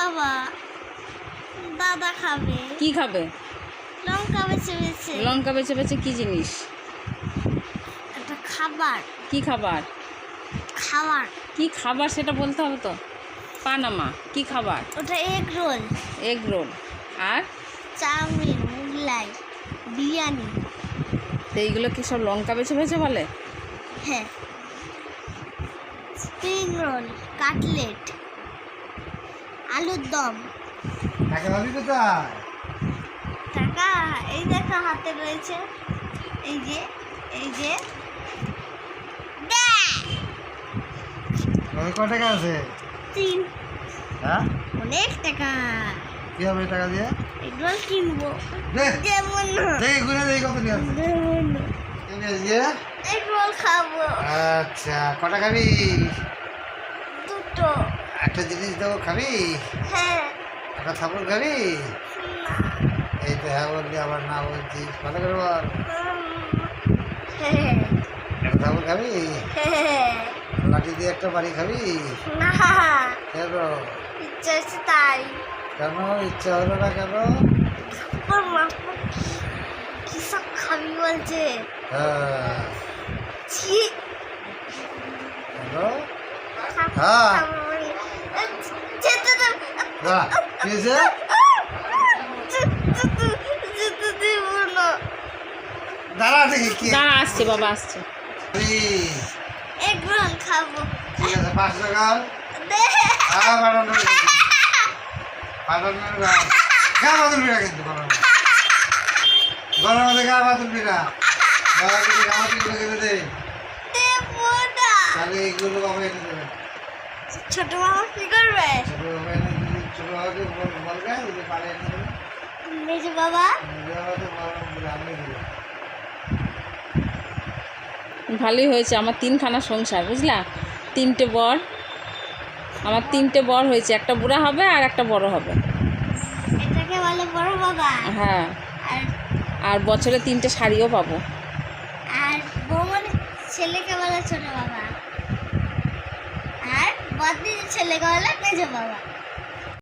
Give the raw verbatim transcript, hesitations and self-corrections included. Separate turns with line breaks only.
বাবা দাদা খাবে।
কি খাবে?
লঙ্কা বেছে বেছে।
লঙ্কা বেছে বেছে কি জিনিস?
একটা খাবার।
কি খাবার?
খাবার।
কি খাবার সেটা বলতে হবে তো। পানামা কি খাবার?
ওটা এগ রোল।
Egg roll. আর
চাউমিন, মোগলাই, বিরিয়ানি।
তো এইগুলো কি সব লঙ্কা বেছে বেছে বলে?
হ্যাঁ। স্প্রিং রোল, কাটলেট, আলুর দম।
টাকা পাবি কোথায়?
টাকা এই দেখো হাতে রয়েছে। এই যে এই যে
ওই ক টাকা আছে?
তিন।
হ্যাঁ,
অনেক টাকা।
কি হবে এই টাকা দিয়ে?
এগুলো কিনবো।
দে
যেমন
দেখি ঘুরে দেখি কত নিয়ে আছে।
যেমন
ঠিক আছে দিয়ে
এগুলো খাবো।
আচ্ছা, কটা খাবি?
দুটো।
একটা জিনিস দেবো খাবি?
হ্যাঁ।
একটা থাপড় খাবি?
না।
এই তো হ্যাঁ বললি আবার না বলছিস, ভালো করে বল।
হ্যাঁ।
একটা থাপড় খাবি?
হ্যাঁ।
লাঠি দিয়ে একটা বাড়ি খাবি?
না।
কেন?
ইচ্ছা হচ্ছে তাই।
কেন ইচ্ছা হলো না কেন?
ওর মা কি সব খাবি বলছে।
হ্যাঁ,
ছি।
হ্যালো, হ্যাঁ
যেতে দাও।
বাহ, কি হয়েছে?
যেতে দেব না।
দাঁড়া দেখি কি
দাঁড়া, আসছে বাবা আসছে।
খাবি?
এগ রোল খাবো।
ঠিক আছে, পাঁচ টাকা
দে।
হ্যাঁ পাঠানো পাঠানো গা বাদুল পিঠা কিন্তু গরম গরম মধ্যে গা বাদুল পিঠা গা কিছু গা বাদুল পিঠা খেতে দে।
দেবো না।
তাহলে এইগুলো বাবা এনে দেবে।
ছোট মামা কি করবে?
ছোট বাবা এনে দিদি ছোট বাবাকে বল- বলবে যদি পারে এনে দেবে।
মেজো বাবা।
নিজে বাবাকে বল- আমি দেবো।
ভালোই হয়েছে আমার তিনখানা সংসার, বুঝলা? তিনটে বর, আমার তিনটে বর হয়েছে, একটা বুড়া হবে আর একটা বড় হবে।
এটাকে বলে বড় বাবা।
হ্যাঁ,
আর
আর বছরে তিনটে শাড়িও পাবো।
আর বৌমার ছেলেকে বলে ছোট বাবা। আর বদির ছেলেকে বলে মেজো বাবা।